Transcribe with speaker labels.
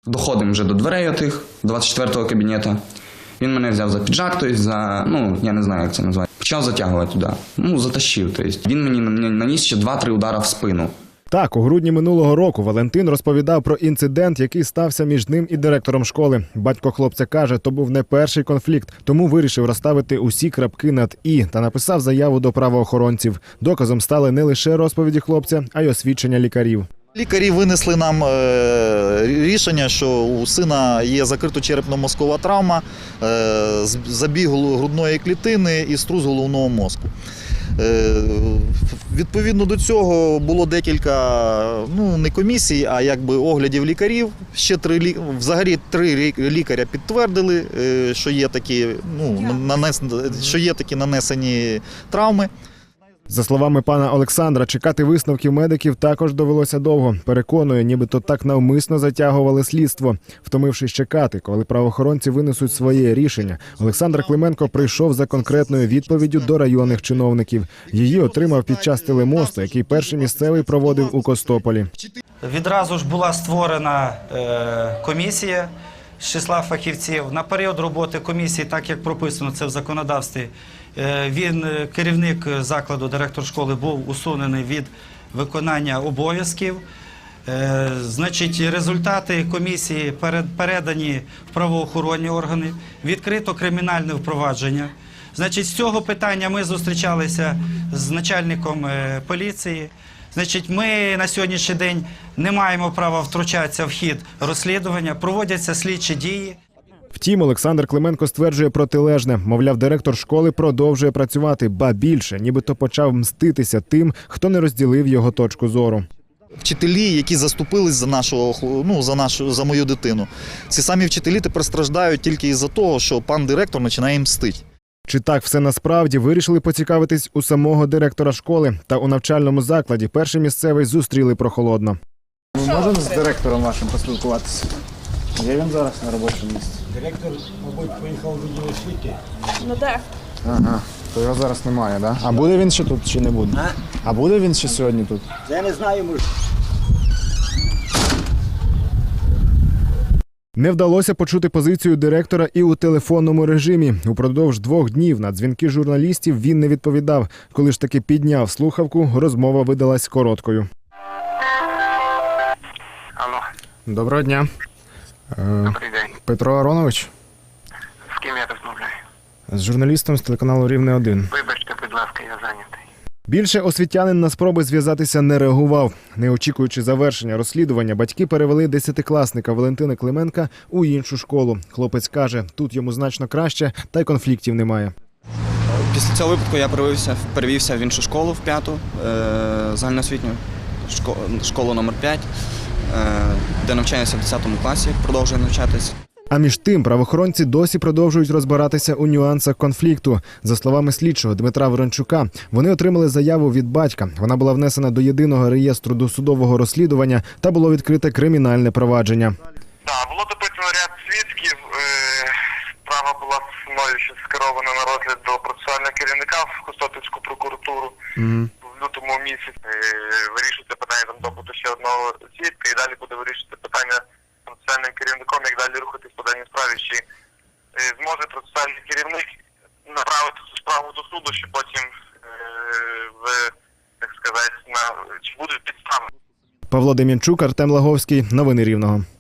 Speaker 1: Доходимо вже до дверей отих, 24-го кабінету. Він мене взяв за піджак, тобто за, я не знаю, як це назвати. Почав затягувати туди. Затащив. Тобто. Він мені наніс ще 2-3 удари в спину.
Speaker 2: Так, у грудні минулого року Валентин розповідав про інцидент, який стався між ним і директором школи. Батько хлопця каже, то був не перший конфлікт, тому вирішив розставити усі крапки над «і» та написав заяву до правоохоронців. Доказом стали не лише розповіді хлопця, а й освідчення лікарів.
Speaker 3: Лікарі винесли нам рішення, що у сина є закрита черепно-мозкова травма, забіг грудної клітини і струс головного мозку. Відповідно до цього було декілька, не комісій, а якби оглядів лікарів. Ще взагалі 3 лікаря підтвердили, що є такі нанесені травми.
Speaker 2: За словами пана Олександра, чекати висновків медиків також довелося довго. Переконує, нібито так навмисно затягували слідство. Втомившись чекати, коли правоохоронці винесуть своє рішення, Олександр Клименко прийшов за конкретною відповіддю до районних чиновників. Її отримав під час телемосту, який перший місцевий проводив у Костополі.
Speaker 4: Відразу ж була створена комісія з числа фахівців. На період роботи комісії, так як прописано це в законодавстві, керівник закладу, директор школи, був усунений від виконання обов'язків. Результати комісії передані в правоохоронні органи, відкрито кримінальне впровадження. З цього питання ми зустрічалися з начальником поліції. Ми на сьогоднішній день не маємо права втручатися в хід розслідування, проводяться слідчі дії.
Speaker 2: Втім, Олександр Клименко стверджує протилежне. Мовляв, директор школи продовжує працювати, ба більше, нібито почав мститися тим, хто не розділив його точку зору.
Speaker 3: Вчителі, які заступились за мою дитину, ці самі вчителі тепер страждають тільки із-за того, що пан директор починає мстити.
Speaker 2: Чи так все насправді, вирішили поцікавитись у самого директора школи. Та у навчальному закладі перший місцевий зустріли прохолодно.
Speaker 5: Ми можемо з директором вашим поспілкуватися? Є він зараз на робочому місці?
Speaker 6: Директор, мабуть, поїхав у відділ освіти.
Speaker 5: Так. Ага, то його зараз немає, так? А буде він ще тут чи не буде? А буде він ще сьогодні тут?
Speaker 6: Я не знаю, може.
Speaker 2: Не вдалося почути позицію директора і у телефонному режимі. Упродовж 2 днів на дзвінки журналістів він не відповідав. Коли ж таки підняв слухавку, розмова видалась короткою.
Speaker 7: Алло.
Speaker 5: Доброго дня.
Speaker 7: Добрий день.
Speaker 5: Петро Аронович?
Speaker 7: З ким я розмовляю?
Speaker 5: З журналістом з телеканалу «Рівне 1».
Speaker 7: Вибачте, будь ласка, я зайнятий.
Speaker 2: Більше освітянин на спроби зв'язатися не реагував. Не очікуючи завершення розслідування, батьки перевели 10-класника Валентина Клименка у іншу школу. Хлопець каже, тут йому значно краще, та й конфліктів немає.
Speaker 1: Після цього випадку я перевівся в іншу школу, в 5-ту, загальноосвітню, школу номер 5, де навчаюся в 10 класі, продовжую навчатись.
Speaker 2: А між тим, правоохоронці досі продовжують розбиратися у нюансах конфлікту. За словами слідчого Дмитра Ворончука, вони отримали заяву від батька. Вона була внесена до єдиного реєстру досудового розслідування та було відкрите кримінальне провадження.
Speaker 7: Так, було допитано ряд свідків. Справа була мною ще скерована на розгляд до процесуального керівника в Костопільську прокуратуру. В лютому місяці вирішується питання допиту ще одного свідка і далі буде вирішувати питання процесуальним керівником, як далі рухатись по даній справі, чи зможе процесуальний керівник направити цю справу до суду, чи потім чи будуть підстави.
Speaker 2: Павло Дем'янчук, Артем Лаговський. Новини Рівного.